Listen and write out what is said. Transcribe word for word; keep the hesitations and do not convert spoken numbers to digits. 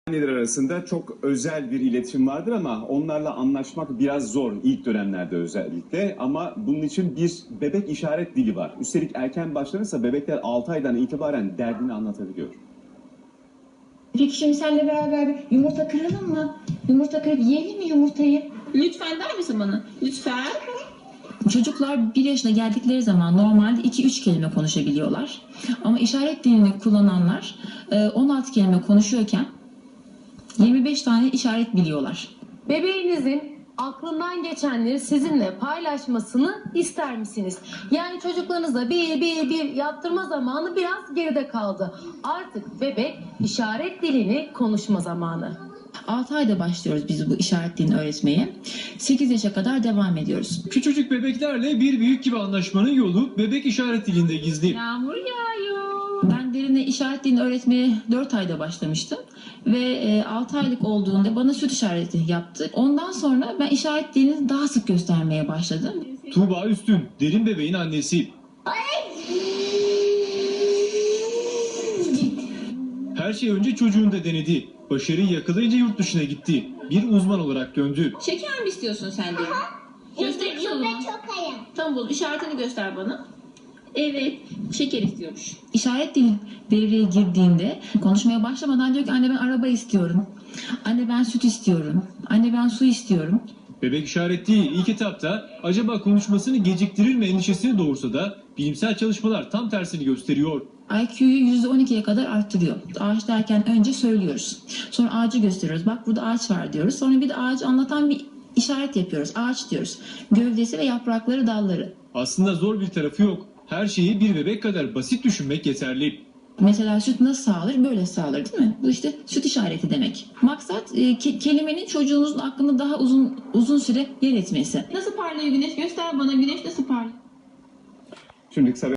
Anneler arasında çok özel bir iletişim vardır ama onlarla anlaşmak biraz zor ilk dönemlerde özellikle. Ama bunun için bir bebek işaret dili var. Üstelik erken başlanırsa bebekler altı aydan itibaren derdini anlatabiliyor. Peki şimdi seninle beraber bir yumurta kıralım mı? Yumurta kırıp yiyelim mi yumurtayı? Lütfen der misin bana? Lütfen. Çocuklar bir yaşına geldikleri zaman normalde iki üç kelime konuşabiliyorlar. Ama işaret dilini kullananlar on altı kelime konuşuyorken yirmi beş tane işaret biliyorlar. Bebeğinizin aklından geçenleri sizinle paylaşmasını ister misiniz? Yani çocuklarınızla bir bir bir yaptırma zamanı biraz geride kaldı. Artık bebek işaret dilini konuşma zamanı. altı ayda başlıyoruz biz bu işaret dilini öğretmeye. sekiz yaşa kadar devam ediyoruz. Küçücük bebeklerle bir büyük gibi anlaşmanın yolu bebek işaret dilinde gizli. Yağmur yağıyor. Ben derine işaret dilini öğretmeye dört ayda başlamıştım. Ve altı aylık olduğunda bana süt işareti yaptı. Ondan sonra ben işaret dilini daha sık göstermeye başladım. Tuğba Üstün, Derin bebeğin annesi. Her şey önce çocuğunda denedi. Başarıyı yakalayınca yurt dışına gitti. Bir uzman olarak döndü. Şeker mi istiyorsun sen de? Göster oğlum. Tamam oğlum, işaretini göster bana. Evet, şeker istiyormuş. İşaret dili devreye girdiğinde konuşmaya başlamadan diyor ki anne ben araba istiyorum. Anne ben süt istiyorum. Anne ben su istiyorum. Bebek işaretliği ilk etapta acaba konuşmasını geciktirir mi endişesini doğursa da bilimsel çalışmalar tam tersini gösteriyor. I Q'yu yüzde on ikiye kadar arttırıyor. Ağaç derken önce söylüyoruz. Sonra ağacı gösteriyoruz. Bak burada ağaç var diyoruz. Sonra bir de ağacı anlatan bir işaret yapıyoruz. Ağaç diyoruz. Gövdesi ve yaprakları, dalları. Aslında zor bir tarafı yok. Her şeyi bir bebek kadar basit düşünmek yeterli. Mesela süt nasıl sağlanır? Böyle sağlanır değil mi? Bu işte süt işareti demek. Maksat e, ke- kelimenin çocuğunuzun aklında daha uzun uzun süre yer etmesi. Nasıl parlıyor güneş? Göster bana, güneş nasıl parlıyor? Şimdi kısa bir